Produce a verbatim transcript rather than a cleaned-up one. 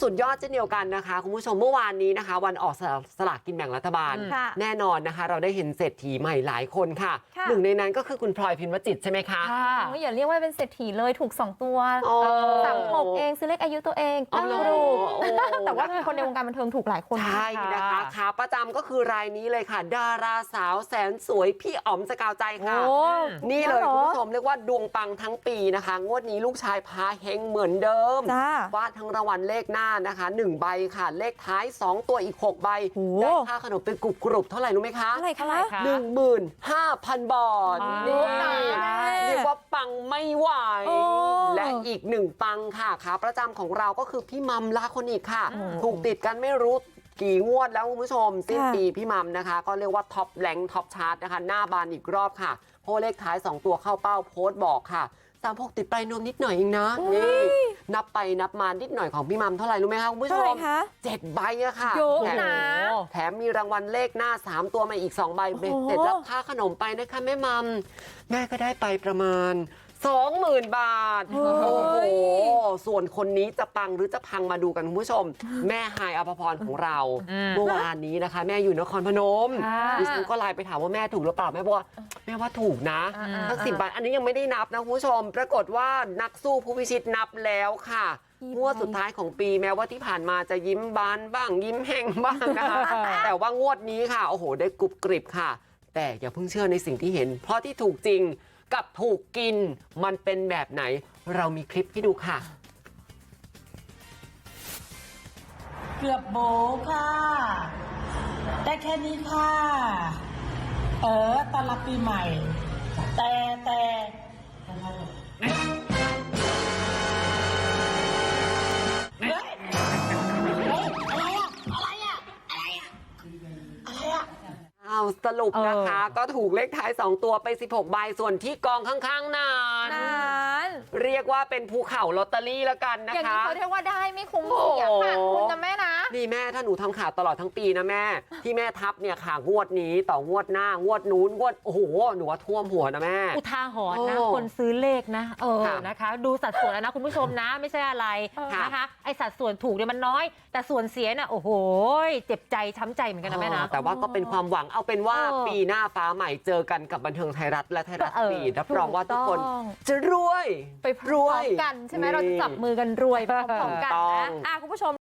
สุดยอดเช่นเดียวกันนะคะคุณผู้ชมเมื่อวานนี้นะคะวันออกสลากกินแบ่งรัฐบาลแน่นอนนะคะเราได้เห็นเศรษฐีใหม่หลายคนค่ะหนึ่งในนั้นก็คือคุณพลอยพิมพ์วจิตใช่ไหมคะอย่าเรียกว่าเป็นเศรษฐีเลยถูกสองตัวสามหกเองซื้อเลขอายุตัวเองตั้งรูปแต่ว่าคนในวงการบันเทิงถูกหลายคนใช่นะคะขาประจำก็คือรายนี้เลยค่ะดาราสาวแสนสวยพี่อ๋อมสกาวใจค่ะนี่เลยคุณผู้ชมเรียกว่าดวงปังทั้งปีนะคะงวดนี้ลูกชายพาเฮงเหมือนเดิมฟาดทั้งรางวัลเลขหน้านะคะหนึ่งใบค่ะเลขท้ายสองตัวอีกหกใบได้ค่าขนมเป็นกรุบกรุบเท่าไหร่รู้ไหมคะเท่าไหร่คะหนึ่งหมื่นห้าพันบาทนี่เรียกว่าปังไม่ไหวและอีกหนึ่งปังค่ะขาประจำของเราก็คือพี่มัมลาคนอีกค่ะถูกติดกันไม่รู้กี่งวดแล้วคุณผู้ชมสิ้นปีพี่มัมนะคะก็เรียกว่าท็อปแรงท็อปชาร์ตนะคะหน้าบานอีกรอบค่ะเพราะเลขท้ายสองตัวเข้าเป้าโพสต์บอกค่ะสามพกติดไปนวมนิดหน่อยเองนะนี่นับไปนับมานิดหน่อยของพี่มัมเท่าไหร่รู้ไหมคะคุณผู้ชมเจ็ดใบอะค่ะแถมแถมมีรางวัลเลขหน้าสามตัวมาอีกสองใบเบ็ดเสร็จรับค่าขนมไปนะคะแม่มัมแม่ก็ได้ไปประมาณสองหมื่นบาทโอ้โหส่วนคนนี้จะปังหรือจะพังมาดูกันคุณผู้ชมแม่ฮายอภพรของเราเมื่อวานนี้นะคะแม่อยู่นครพนมดิฉันก็ไลน์ไปถามว่าแม่ถูกหรือเปล่าแม่บอกว่าแม่ว่าถูกนะทั้งสิบบาทอันนี้ยังไม่ได้นับนะคุณผู้ชมปรากฏว่านักสู้ผู้พิชิตนับแล้วค่ะงวดสุดท้ายของปีแม้ว่าที่ผ่านมาจะยิ้มบานบ้างยิ้มแห้งบ้างนะคะแต่ว่างวดนี้ค่ะโอ้โหได้กรุบกริบค่ะแต่อย่าเพิ่งเชื่อในสิ่งที่เห็นเพราะที่ถูกจริงกับถูกกินมันเป็นแบบไหนเรามีคลิปให้ดูค่ะเกือบโบค่ะได้แค่นี้ค่ะเออตอนรับปีใหม่แต่แต่เฮ้ยอะไรอะอะไรอะอะไรอะอะไรอะเอาสรุปนะคะก็ถูกเลขท้ายสองตัวไปสิบหกใบส่วนที่กองข้างๆนั้นเรียกว่าเป็นภูเขาลอตเตอรี่แล้วกันนะคะอย่างนี้เขาเรียกว่าได้ไม่คุ้มเสียค่ะคุณนะแม่นะนี่แม่ถ้าหนูทำข่าวตลอดทั้งปีนะแม่ที่แม่ทับเนี่ยค่ะงวดนี้ต่องวดหน้างวดนู้นงวดโอ้โหหนูว่าท่วมหัวนะแม่อุทาหรณ์นะคนซื้อเลขนะเออนะคะดูสัดส่วนแล้วนะคุณผู้ชมนะไม่ใช่อะไรนะคะไอสัดส่วนถูกเนี่ยมันน้อยแต่ส่วนเสียน่ะโอ้โหเจ็บใจช้ำใจเหมือนกันนะแม่นะแต่ว่าก็เป็นความหวังเอาเป็นว่าปีหน้าฟ้าใหม่เจอกันกับบันเทิงไทยรัฐและไทยรัฐทีวีรับรองว่าทุกคนจะรวยไปพร้อมกันใช่ไหมเราจะจับมือกันรวยไปพร้อมกันนะคุณผู้ชม